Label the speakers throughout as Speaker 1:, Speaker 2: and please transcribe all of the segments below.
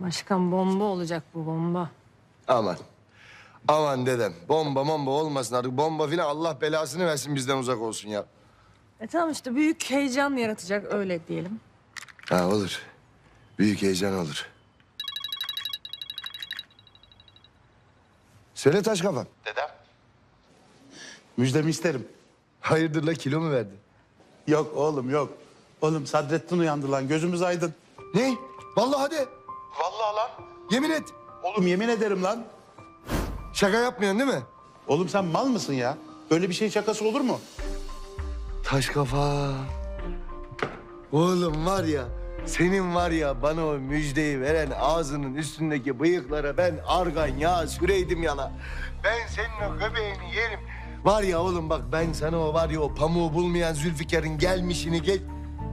Speaker 1: Başkan bomba olacak bu bomba.
Speaker 2: Aman. Aman dedem. Bomba olmasın artık. Bomba filan Allah belasını versin bizden uzak olsun ya.
Speaker 1: Tamam işte büyük heyecan yaratacak öyle diyelim.
Speaker 2: Ha olur. Büyük heyecan olur. Söyle taş kafam.
Speaker 3: Dedem. Müjdemi isterim.
Speaker 2: Hayırdır la kilo mu verdin?
Speaker 3: Yok oğlum yok. Oğlum Sadrettin uyandı lan gözümüz aydın.
Speaker 2: Ne? Vallahi hadi.
Speaker 3: Vallahi lan.
Speaker 2: Yemin et.
Speaker 3: Oğlum yemin ederim lan.
Speaker 2: Şaka yapmıyorsun değil mi?
Speaker 3: Oğlum sen mal mısın ya? Böyle bir şey şakası olur mu?
Speaker 2: Taş kafa. Oğlum var ya, senin var ya bana o müjdeyi veren ağzının üstündeki bıyıklara ben argan yağı süreydim yala. Ben senin o göbeğini yerim. Var ya oğlum bak ben sana o var ya o pamuğu bulmayan Zülfikar'ın gelmişini gel...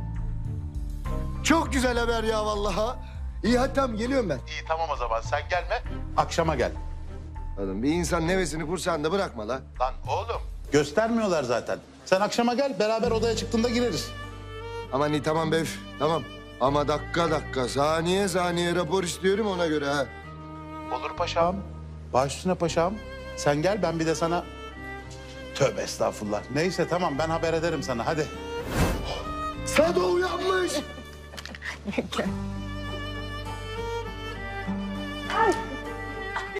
Speaker 2: Çok güzel haber ya vallahi. İyi hadi tamam geliyorum ben.
Speaker 3: İyi tamam o zaman sen gelme. Akşama gel.
Speaker 2: Oğlum bir insan nefesini kursağında bırakma la.
Speaker 3: Lan oğlum. Göstermiyorlar zaten. Sen akşama gel beraber odaya çıktığında gireriz.
Speaker 2: Aman iyi tamam be üf, tamam. Ama dakika saniye rapor istiyorum ona göre ha.
Speaker 3: Olur paşam. Baş üstüne paşam. Sen gel ben bir de sana... Tövbe estağfurullah. Neyse tamam ben haber ederim sana hadi.
Speaker 2: Sado uyanmış.
Speaker 1: Ay.